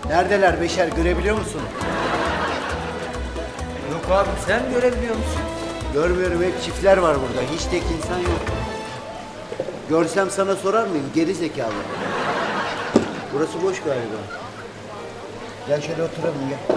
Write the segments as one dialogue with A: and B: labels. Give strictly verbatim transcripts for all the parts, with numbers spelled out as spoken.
A: Neredeler Beşer, görebiliyor musun?
B: Yok abi, sen görebiliyor musun?
A: Görmüyorum, hep çiftler var burada. Hiç tek insan yok. Görsem sana sorar mıyım? Geri zekalı. Burası boş galiba. Gel şöyle oturalım, gel.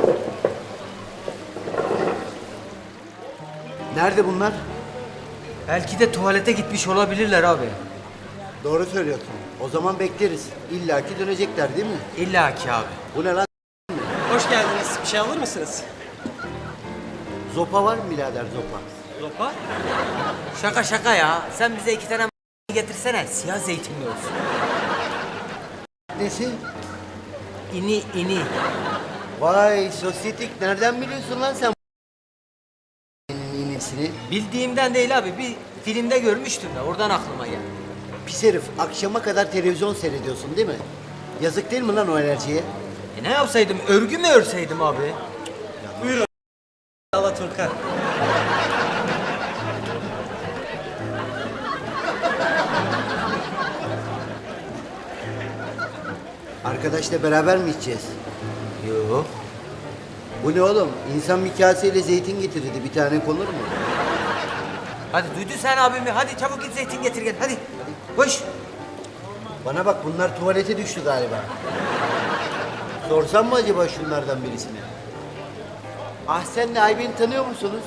A: Nerede bunlar?
B: Belki de tuvalete gitmiş olabilirler abi.
A: Doğru söylüyorsun. O zaman bekleriz. İlla ki dönecekler değil mi?
B: İlla ki abi.
A: Bu ne lan?
C: Hoş geldiniz. Bir şey alır mısınız?
A: Zopa var mı birader, zopa?
C: Zopa?
B: Şaka şaka ya. Sen bize iki tane getirsene. Siyah zeytinli olsun.
A: Nesi?
B: İni ini.
A: Vay sosyetik, nereden biliyorsun lan sen inisini?
B: Bildiğimden değil abi. Bir filmde görmüştüm de oradan aklıma geldi.
A: Pis herif, akşama kadar televizyon seyrediyorsun değil mi? Yazık değil mi lan o enerjiye?
B: E ne yapsaydım? Örgü mü örseydim abi?
C: Buyurun. Alaturka.
A: Arkadaşla beraber mi içeceğiz?
B: Yok.
A: Bu ne oğlum? İnsan bir kaseyle zeytin getirirdi, bir tane konur mu?
B: Hadi duydun sen abimi. Hadi çabuk git zeytin getir gel. Hadi. Koş.
A: Bana bak, bunlar tuvalete düştü galiba. Sorsam mı acaba şunlardan birisine? Ahsen'le Ayben'i tanıyor musunuz?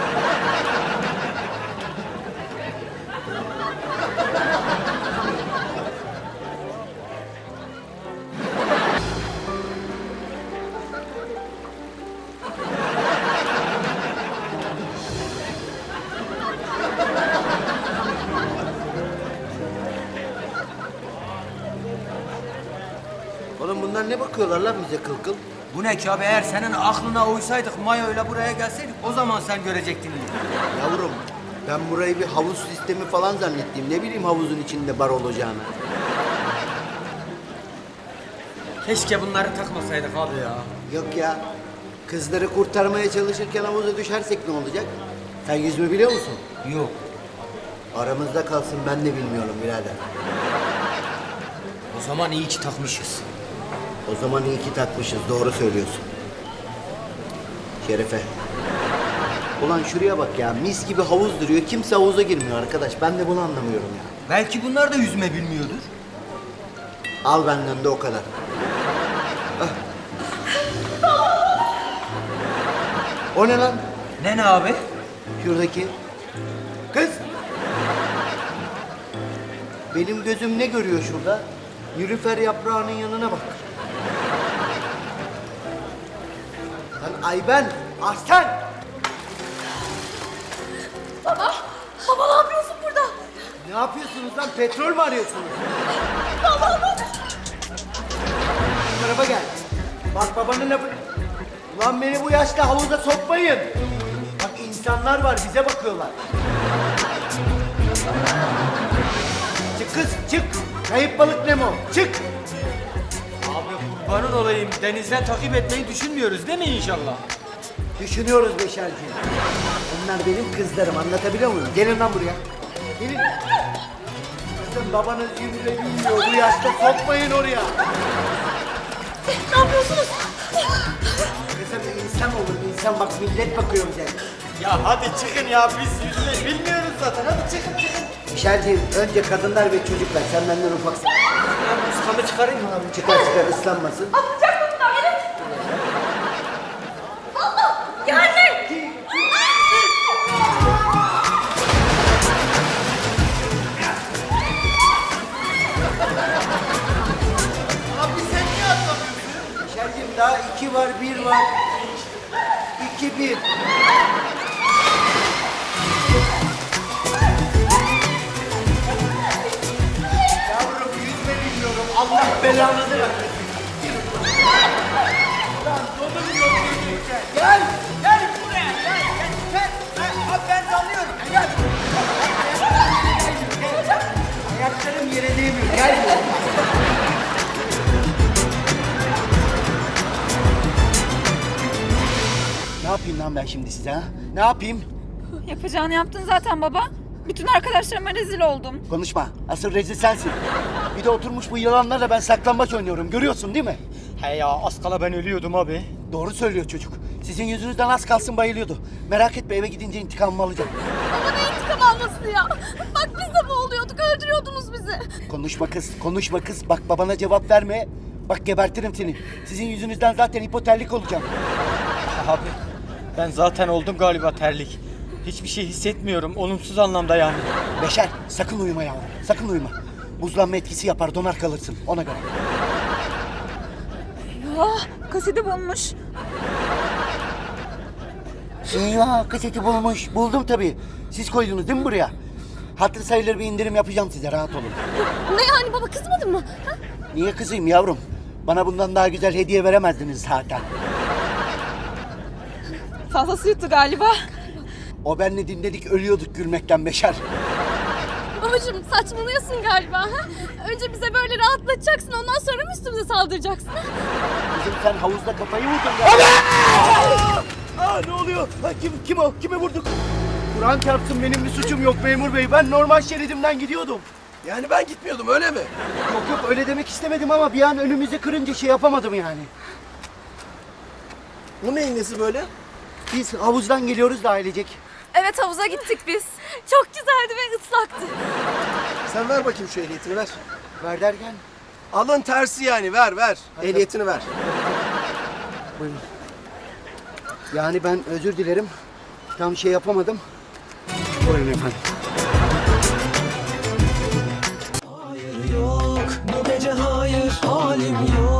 A: Oğlum bunlar ne bakıyorlar lan bize kıl kıl?
B: Bu ne ki abi? Eğer senin aklına uysaydık Mayo'yla buraya gelseydik o zaman sen görecektin.
A: Yavrum, ben burayı bir havuz sistemi falan zannettim. Ne bileyim havuzun içinde bar olacağını.
B: Keşke bunları takmasaydık abi ya.
A: Yok ya, kızları kurtarmaya çalışırken havuza düşersek ne olacak? Sen yüzme biliyor musun?
B: Yok.
A: Aramızda kalsın, ben de bilmiyorum birader.
B: O zaman iyi ki takmışız.
A: O zaman iyi ki takmışız, doğru söylüyorsun. Şerefe. Ulan şuraya bak ya, mis gibi havuz duruyor. Kimse havuza girmiyor arkadaş. Ben de bunu anlamıyorum ya.
B: Belki bunlar da yüzme bilmiyordur.
A: Al benden de o kadar. Ah. O ne lan?
B: Ne ne abi?
A: Şuradaki. Kız. Benim gözüm ne görüyor şurada? Nilüfer yaprağının yanına bak. Lan Ayben, Ahsen!
D: Baba, baba ne yapıyorsun burada?
A: Ne yapıyorsunuz lan? Petrol mü arıyorsunuz?
D: Baba,
A: Bu tarafa gel. Bak babanın lafı... Ulan beni bu yaşta havuza sokmayın. Bak insanlar var, bize bakıyorlar. Çık kız, çık. Kayıp balık Nemo, çık.
B: Abi kurbanın olayım. Denizden takip etmeyi düşünmüyoruz değil mi inşallah?
A: Düşünüyoruz Beşerciğim. Bunlar benim kızlarım, anlatabiliyor muyum? Gelin lan buraya. Gelin. Kızım babanız yüzüne bilmiyor, bu yaşta sokmayın oraya.
D: ne yapıyorsunuz?
A: Kızım insan olur, insan bak millet bakıyor bize.
C: Ya hadi çıkın ya. Biz yüzme bilmiyoruz zaten. Hadi çıkın çıkın.
A: Beşerciğim, önce kadınlar ve çocuklar, sen benden ufaksın.
B: Ben ustamı çıkarayım mı abi?
A: Çıkar çıkar, ıslanmasın.
D: Atlayacak mı bunlar? Gelin. Allah, geldi.
A: Abi sen niye atlamıyorsun? Beşerciğim daha iki var, bir var. İki, bir. Yavrum yüzme bilmiyorum. Allah belanı versin. Lan dolu yok yüzmeyeceksin. Gel. Gel buraya. Gel. Gel. Gel. Ben, abi ben dalıyorum. Gel. Gel. Ayaklarım yere değmiyor. Gel. Ne yapayım lan ben şimdi size ha? Ne yapayım?
D: Yapacağını yaptın zaten baba. Bütün arkadaşlarıma rezil oldum.
A: Konuşma. Asıl rezil sensin. Bir de oturmuş bu yılanlarla ben saklambaç oynuyorum. Görüyorsun değil mi?
B: He ya az kala ben ölüyordum abi.
A: Doğru söylüyor çocuk. Sizin yüzünüzden az kalsın bayılıyordu. Merak etme, eve gidince intikamımı alacağım.
E: Baba ne intikam alması ya? Bak biz de boğuluyorduk, öldürüyordunuz bizi.
A: Konuşma kız, konuşma kız. Bak babana cevap verme. Bak gebertirim seni. Sizin yüzünüzden zaten hipoterlik olacağım.
B: Abi ben zaten oldum galiba terlik. Hiçbir şey hissetmiyorum olumsuz anlamda yani.
A: Beşer, sakın uyuma yavrum. Sakın uyuma. Buzlanma etkisi yapar, donar kalırsın. Ona göre.
D: Ah, kaseti bulmuş.
A: Eyvah, kaseti bulmuş. Buldum tabii. Siz koydunuz değil mi buraya? Hatır sayılır bir indirim yapacağım size, rahat olun.
E: Ne yani baba, kızmadın mı? Ha?
A: Niye kızayım yavrum? Bana bundan daha güzel hediye veremezdiniz zaten.
D: Fazlası yuttu galiba.
A: O benle dinledik, ölüyorduk gülmekten Beşer.
E: Babacığım saçmalıyorsun galiba. Ha? Önce bize böyle rahatlatacaksın, ondan sonra mı üstümüze saldıracaksın? Ha?
A: Kızım sen havuzda kafayı vurdun ya. Aa, ne oluyor? Ha, kim, kim o? Kimi vurduk? Kur'an çarpsın, benim bir suçum yok memur bey. Ben normal şeridimden gidiyordum.
F: Yani ben gitmiyordum öyle mi?
A: Yok yok, öyle demek istemedim ama bir an önümüze kırınca şey yapamadım yani.
F: Bu neyin nesi böyle?
A: Biz havuzdan geliyoruz da ailecek.
D: Evet, havuza gittik biz.
E: Çok güzeldi ve ıslaktı.
F: Sen ver bakayım şu ehliyetini ver.
A: Ver derken.
F: Alın tersi yani ver ver. Ehliyetini ver.
A: Buyurun. Yani ben özür dilerim. Tam şey yapamadım. Buyurun efendim.
G: Hayır yok bu gece hayır halim yok